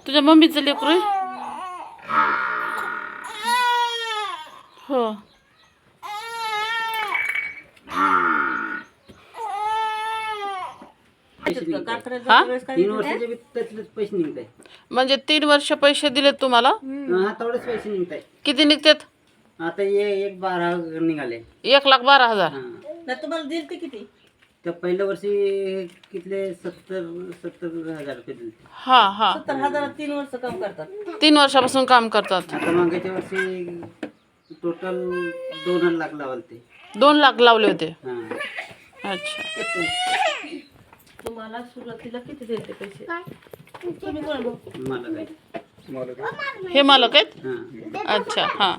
तुझ्या मम्मीचं लेकरू आहे? हो. हा? 3 वर्षाचे त्यातलेच पैसे निघताय. म्हणजे 3 वर्ष पैसे दिलेत तुम्हाला? हा तेवढेच पैसे निघताय. किती निघतात? आता एक 12 निघाले. 1,12,000. नाही तुम्हाला दिल ते किती? तर पहिल्या वर्षी कितले 70,000 रुपये दिले. हा हा. 70,000 3 वर्ष काम करतात. 3 वर्षापासून काम करतात. आता मागच्या वर्षी टोटल 2 लाख लावले ते. 2 लाख लावले होते. हा. अच्छा. तुम्हाला सुरुवातीला किती दिले ते पैसे? तुम्ही कोण भाऊ? मला काय हे मालक आहेत? हा. अच्छा. हा.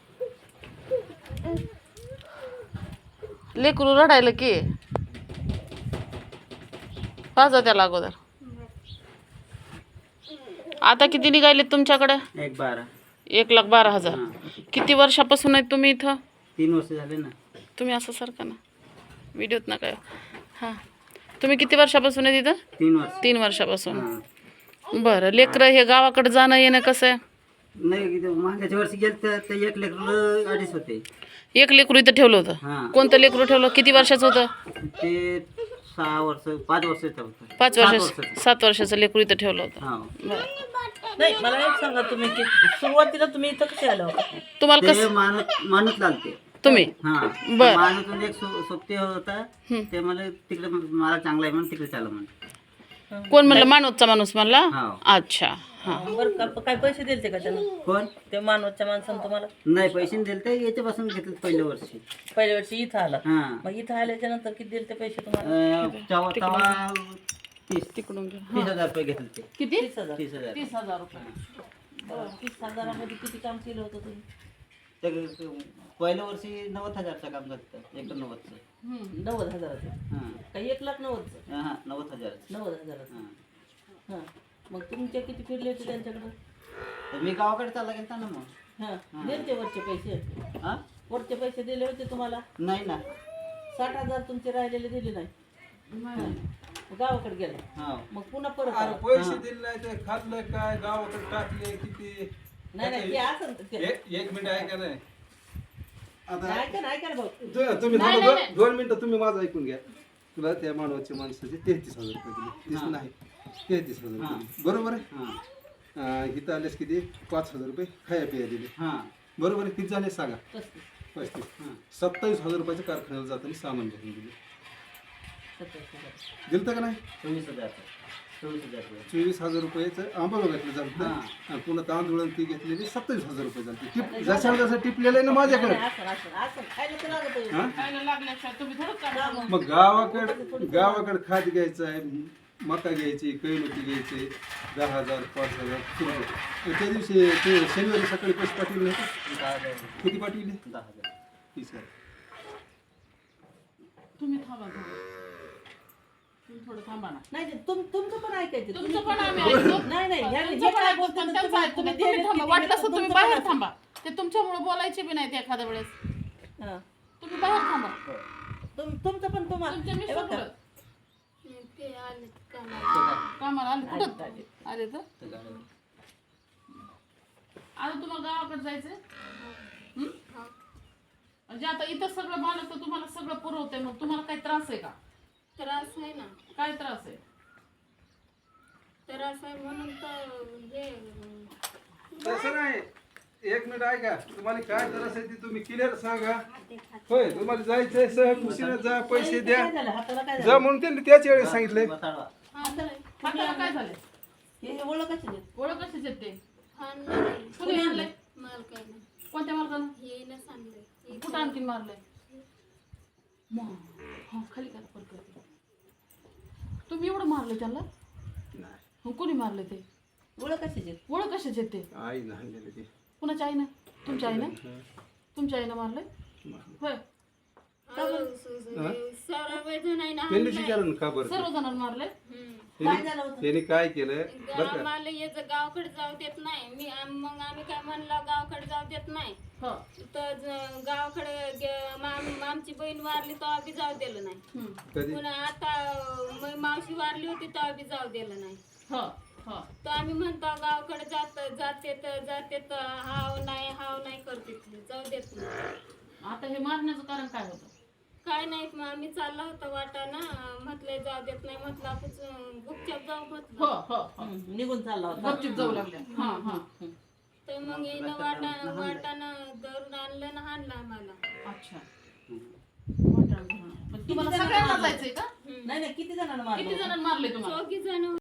लेकरू रडायला की पाजा त्याला अगोदर. आता किती निघाले तुमच्याकडे? 1,12. 1,12,000. हा. किती वर्षापासून आहेत तुम्ही इथं? 3 वर्ष झाले ना. तुम्ही असं सारखा ना व्हिडिओत नका. हां, तुम्ही किती वर्षापासून आहे तिथं? 3 वर्ष. 3 वर्षापासून. हा. बरं, लेकरं हे गावाकडे जाणं येणं कसं आहे? नाही किती मागच्या वर्षी गेलं तर 1 लेकरं अडीच होते. एक लेकरू इथं ठेवलं होतं. हा. कोणतं लेकरू ठेवलं? किती वर्षाचं होतं? ते 6 वर्ष 5 वर्षाचं होतं. 5 7 वर्षाचं. 7 वर्षाचं लेकरू इथं ठेवलं होतं. हा. बरं. नाही मला एक सांगा तुम्ही की सुरुवातीला तुम्ही इथं कसे आला होता? तुम्हाला ते कसं मानत लालते. तुम्ही? हा. बर. मानतून एक सोबती होता. ते मला तिकडे मला चांगला आहे म्हणून तिकडे चाललं म्हणून. कोण म्हणलं? मानवतचा माणूस म्हणला? हा. अच्छा. हां. बरं का काय पैसे दिले का त्यानं? कोण? ते मानवच्या माणसानं तुम्हाला नाही पैसे दिले ते याच्यापासून घेतले पहिल्या वर्षी. पहिल्या वर्षी इथं आला. हा. मग इथं आल्याच्या नंतर किती दिले ते पैसे तुम्हाला? तेव्हा 30 तिकडून घे. 30,000 रुपये घेतले ते. किती? 30,000. 30,000. 30,000 रुपये. बरं, 30,000 किती काम केलं होतं तुम्ही? तर पहिल्या वर्षी 90,000चं काम झालं. 1,90,000. 90,000. हा. काही 1,90,000. हा 90,000. 90,000. हा. हां. मग तुमचे किती फिरले होते त्यांच्याकडं? तर मी गावाकडे चालला गेलता ना मग. हां. दिले ते वरचे पैसे? हा वरचे पैसे दिले होते तुम्हाला? नाही ना. 60,000 तुमचे राहिलेले दिले नाही? मग गावाकडे गेला. हा. मग पुन्हा परत अरे आला. पैसे दिले नाही ते खाल्लं काय गावाकडे टाकले किती. नाही नाही ते असं ते- एक मिनिट ऐका नाही आता ऐका ना भाऊ. तुम्ही थांबा 2 मिनिटं तुम्ही माझं ऐकून घ्या. तुला त्या मानवाच्या माणसाचे 33,000 रुपये दिले. 30 नाही 33,000 रुपये दिले. बरोबर आहे. हा. इथं आलेस किती 5,000 रुपये खाया पिया दिले. हा. बरोबर आहे. किती झाले सांगा? 35,000. 35. 27,000 रुपयाच्या कारखान्याला जाताना सामान घेऊन दिले. 27,000. दिलं का नाही? 24,000. 24,000 रुपये. 24,000 रुपयाचं आंबा घेतलं जातं. हा. आणि पुन्हा तांदूळ ती घेतलेली 27,000 रुपये झाले. टिप जसं टिपलेलं आहे ना माझ्याकडे. असं खायला तर लागत आहे. हा? खायला लागल्याशिवाय तुम्ही थोडं करा. मग गावाकडे खात घ्यायचं आहे. मका घ्यायची, कैलोती घ्यायचे 10,000 5,000 रुपये. त्या दिवशी ते शनिवारी सकाळी पैसे पाठवले होते. 10,000. किती पाठवले? 10,000. 30,000. तुम्ही थांबा थोडं. तुम्ही थोडं थांबा ना. नाही ते तुमचं पण ऐकायचं. तुमचं पण आम्ही ऐकतो. नाही नाही ह्या- तुमचं हे पण काय ऐकतो, बोलतात पण ते त्यांचं ऐकतो. तुम्ही तुम्ही थांबा. वाटलं असं तुम्ही तुमचं बाहेर पण थांबा. ते तुमच्यामुळे बोलायचे बी नाही ते एखाद्या वेळेस. हां. तुम्ही बाहेर थांबा. तुमचं पण तुम्हाला तुमच्या हे मिस्टर बघा. कुठं? कामाला आले कुठं आले तर? तर गावाकडे. आता तुम्हाला गावाकडे जायचंय? हं? म्हणजे आता इथं सगळं मालक तर तुम्हाला सगळं पुरवतंय, मग तुम्हाला काही त्रास आहे का? त्रास आहे ना. काय त्रास आहे? त्रास आहे म्हणून तर हे तसं नाही. एक मिनिट ऐका. तुम्हाला काय त्रास आहे ते तुम्ही क्लिअर सांगा. होय तुम्हाला जायचंय सहकुशीने जा पैसे द्या काय झालं हाताला काय जा झालं? म्हणून त्यांनी त्याच वेळेस सांगितलंय. बताळवा. हाताला काय झालंय? हे ओळखायचं नाही. ओळख कशीच आहेत ते? आणलं कुणी आणलंय? मालकानं कोणत्या मालकानं? येईनच आणलंय. कुठं आणखीन मारलंय? हा खाली करा परत करते. तुम्ही एवढं मारलंय त्यांना? हो, कोणी मारलंय ते? ओळखायचं नाही. ओळख कशाचे आहेत ते? आई नाही ते. कुणाच्या आईनं? तुमच्या आईनं? तुमच्या आईनं मारलंय? होय. सौरभ नाही ना त्यांनीच विचारलं का बरं सर्व जणांना मारलंय? काय झालं होतं? त्यांनी काय केलं बरं का? आम्हाला याचं गावाकडे जाऊ देत नाही. मग आम्ही काय म्हणलं गावाकडे जाऊ देत नाही. हो. तर गावाकडे आमची बहीण वारली तेव्हा बी जाऊ दिलं नाही. हं. कधी पुन्हा आता मावशी वारली होती तेव्हा बी जाऊ दिलं नाही. हो. हा. तर आम्ही म्हणतो गावाकडे जाते तर हाव नाही करते ती, जाऊ देत नाही. आता हे मारण्याचं कारण काय होतं? काय नाही मग आम्ही चालला होता वाटाणा, म्हटलं जाऊ देत नाही, म्हटलं आपण गुपचाप जाऊ हो म्हटलं. हो हो. निघून चालला होता. गपचूप जाऊ लागल्या. हा हा. तर मग येणं वाटाणा धरून आणलं ना हाणलं आम्हाला. अच्छा. वाटाणा धरून. पण तुम्हाला सगळ्यांना जायचंय का? नाही नाही, किती जणांना मारलं किती होतं? जणांना मारले तुम्हाला? 4 जण